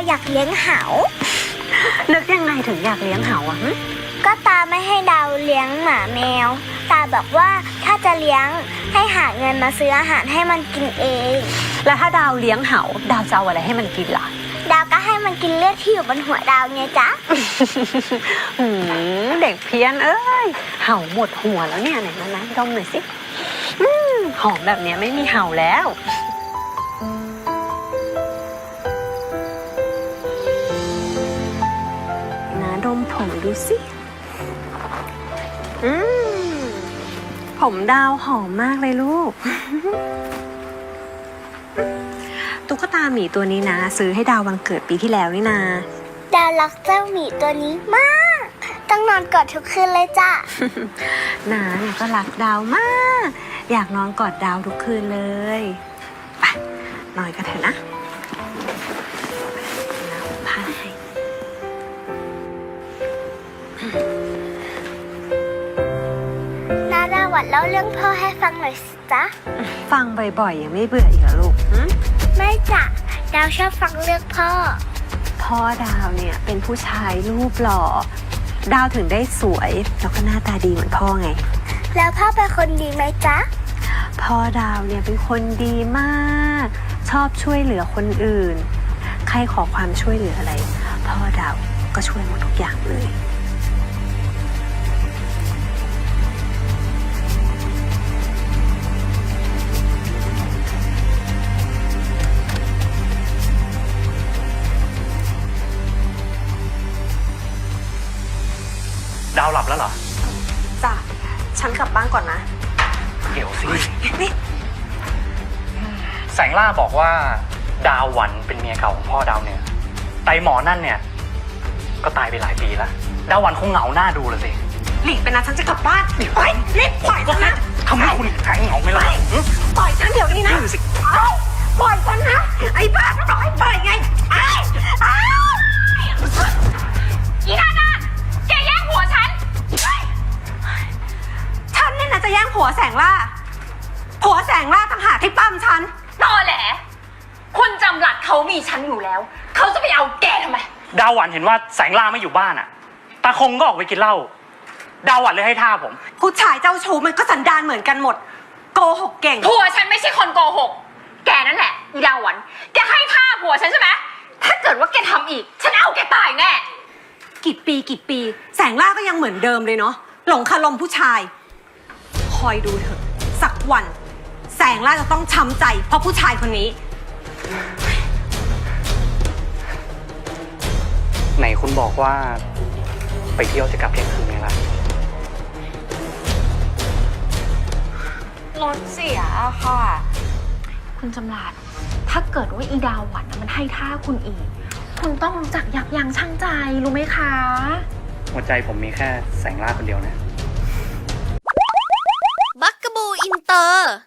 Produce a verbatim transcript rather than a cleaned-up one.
อยากเลี้ยงเหานึกยังไงถึงอยากเลี้ยงเหาอ่ะก็ตาไม่ให้ดาวเลี้ยงหมาแมวตาบอกว่าถ้าจะเลี้ยงให้หาเงินมาซื้ออาหารให้มันกินเองแล้วถ้าดาวเลี้ยงเหาดาวจะเอาอะไรให้มันกินล่ะดาวก็ให้มันกินเลือดที่อยู่บนหัวดาวไงจ๊ะเด็กเพี้ยนเอ้ยเห่าหมดหัวแล้วเนี่ยไหนมานะดมหน่อยสิหอมแบบนี้ไม่มีเห่าแล้วนะดมผมดูสิอืมผมดาวหอมมากเลยลูกตุ๊กตาหมีตัวนี้นะซื้อให้ดาววันเกิดปีที่แล้วนี่นาดาวรักเจ้าหมีตัวนี้มากต้องนอนกอดทุกคืนเลยจ้ะนาเนี่ยก็รักดาวมากอยากนอนกอดดาวทุกคืนเลยไปนอนกันเถอะนะน้ำพาให้นาดาวัดเล่าเรื่องพ่อให้ฟังหน่อยสิจ๊ะฟังบ่อยๆยังไม่เบื่ออีกเหรอลูกไม่จ้ะดาวชอบฟังเรื่องพ่อพ่อดาวเนี่ยเป็นผู้ชายรูปหล่อดาวถึงได้สวยแล้วก็หน้าตาดีเหมือนพ่อไงแล้วพ่อเป็นคนดีไหมจ๊ะพ่อดาวเนี่ยเป็นคนดีมากชอบช่วยเหลือคนอื่นใครขอความช่วยเหลืออะไรพ่อดาวก็ช่วยหมดทุกอย่างเลยดาวหลับแล้วเหรอจ้ะฉันกลับบ้านก่อนนะเดี๋ยวสินี่แสงล่าบอกว่าดาวหวันเป็นเมียเก่าของพ่อดาวเนี่ยไตหมอนั่นเนี่ยก็ตายไปหลายปีแล้วดาวหวันคงเหงาหน้าดูเลยสิหลีกไปนะฉันจะกลับบ้านไปรีบปล่อยฉันนะทำให้คุณแข็งเหงาไหมล่ะปล่อยฉันเดี๋ยวนี้นะปล่อยฉันนะไอ้บ้าก็บอกให้ปล่อยไงไอ้ไอ้อีนานาแกแย่งผัวฉันฉันเนี่ยนะจะแย่งผัวแสงล่าผัวแสงล่าต่างหากที่ปั้มฉันตอแหลคุณจำหลัดเขามีฉันอยู่แล้วเขาจะไปเอาแกทำไมดาวหวันเห็นว่าแสงล่าไม่อยู่บ้านอ่ะตาคงก็ออกไปกินเหล้าดาวหวันเลยให้ท่าผมผู้ชายเจ้าชู้มันก็สันดานเหมือนกันหมดโกหกเก่งผัวฉันไม่ใช่คนโกหกแกนั่นแหละอีดาวหวันแกให้ท่าผัวฉันใช่ไหมถ้าเกิดว่าแกทำอีกฉันเอาแกตายแน่กี่ปีกี่ปีแสงล่าก็ยังเหมือนเดิมเลยเนาะหลงคารมผู้ชายคอยดูเถอะสักวันแสงล่าจะต้องช้ำใจเพราะผู้ชายคนนี้ไหนคุณบอกว่าไปเที่ยวจะกลับเที่ยงคืนไงล่ะรถเสียอะค่ะคุณจำรัดถ้าเกิดว่าอีดาวหวันมันให้ท่าคุณอีกคุณต้องรู้จักยับยั้งชั่งใจรู้ไหมคะหัวใจผมมีแค่แสงล่าคนเดียวนะบักกะบูอินเตอร์